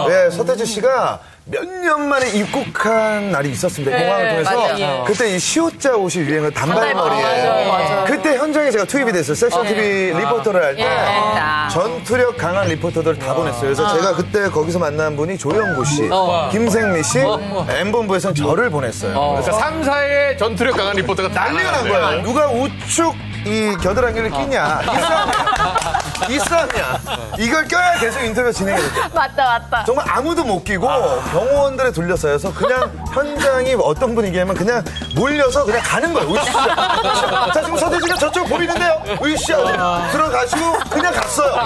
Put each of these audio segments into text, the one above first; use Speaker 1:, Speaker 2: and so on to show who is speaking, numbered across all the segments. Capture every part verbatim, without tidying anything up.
Speaker 1: 네, 서태지 씨가 몇 년 만에 입국한 날이 있었습니다. 네, 공항을 통해서.
Speaker 2: 맞아요.
Speaker 1: 그때 이 시옷자 옷이 유행을 단발머리에.
Speaker 2: 맞아요, 맞아요.
Speaker 1: 그때 현장에 제가 투입이 됐어요. 섹션 티비 아. 리포터를 할 때. 아. 전투력 강한 리포터들 다 보냈어요. 그래서 아. 제가 그때 거기서 만난 분이 조영구 씨, 어. 김생미 씨, 어. 엠본부에서는 저를 보냈어요.
Speaker 3: 어. 그래서 삼 사의 전투력 강한 리포터가
Speaker 1: 난리가 난 거예요. 누가 우측 이 겨드랑이를 끼냐. 이 싸움이야. 이 싸움이야. 이걸 껴야 계속 인터뷰가 진행이 되죠.
Speaker 2: 맞다, 맞다.
Speaker 1: 정말 아무도 못 끼고 병원들에 둘러싸여서 그냥 현장이 어떤 분위기냐면 그냥 몰려서 그냥 가는 거예요. 으쌰. 자, 지금 서태지가 저쪽 보이는데요. 으쌰. 들어가시고 그냥 갔어요.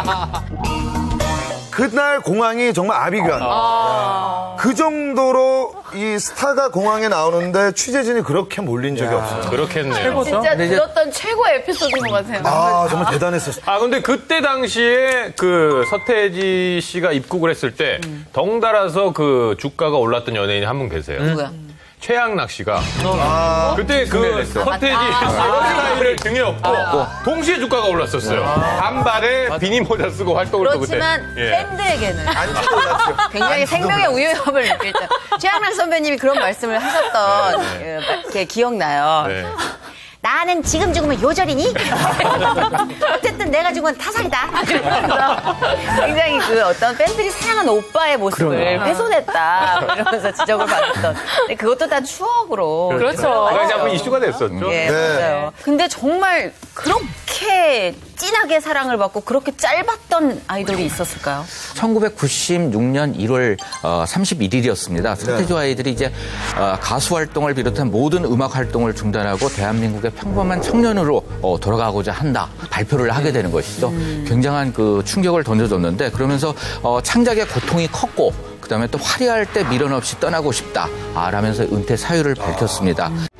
Speaker 1: 그날 공항이 정말 아비규환. 아~ 그 정도로 이 스타가 공항에 나오는데 취재진이 그렇게 몰린 적이 없어요.
Speaker 3: 그렇겠네요.
Speaker 2: 진짜 들었던 최고의 에피소드인 것 같아요.
Speaker 1: 아, 정말 대단했었어요.
Speaker 3: 아, 근데 그때 당시에 그 서태지 씨가 입국을 했을 때 음. 덩달아서 그 주가가 올랐던 연예인이 한 분 계세요.
Speaker 2: 누구야?
Speaker 3: 최양락 씨가
Speaker 1: 아,
Speaker 3: 그때 그 서태지 헤어스타일을 등에 업고 아, 동시에 주가가 올랐었어요. 아, 단발에 비니 모자 쓰고 활동을 또 그때.
Speaker 2: 그렇지만 팬들에게는
Speaker 1: 안지도 올랐죠.
Speaker 2: 굉장히 생명의 위협을 느낄 때 최양락 선배님이 그런 말씀을 하셨던 네. 게 기억나요. 네. 나는 지금 죽으면 요절이니? 어쨌든 내가 죽으면 타살이다. 그러면서 굉장히 그 어떤 팬들이 사랑하는 오빠의 모습을 그러나. 훼손했다. 이러면서 지적을 받았던. 근데 그것도 다 추억으로.
Speaker 3: 그렇죠. 그게 자꾸 이슈가 됐었죠.
Speaker 2: 예, 네. 맞아요. 근데 정말 그렇게 진하게 사랑을 받고 그렇게 짧았던 아이돌이 있었을까요?
Speaker 4: 천구백구십육 년 일월 삼십일 일이었습니다. 서태지 아이들이 이제 가수 활동을 비롯한 모든 음악 활동을 중단하고 대한민국의 평범한 청년으로 돌아가고자 한다. 발표를 하게 되는 것이죠. 음. 굉장한 그 충격을 던져줬는데 그러면서 창작의 고통이 컸고 그다음에 또 화려할 때 미련 없이 떠나고 싶다. 라면서 은퇴 사유를 밝혔습니다.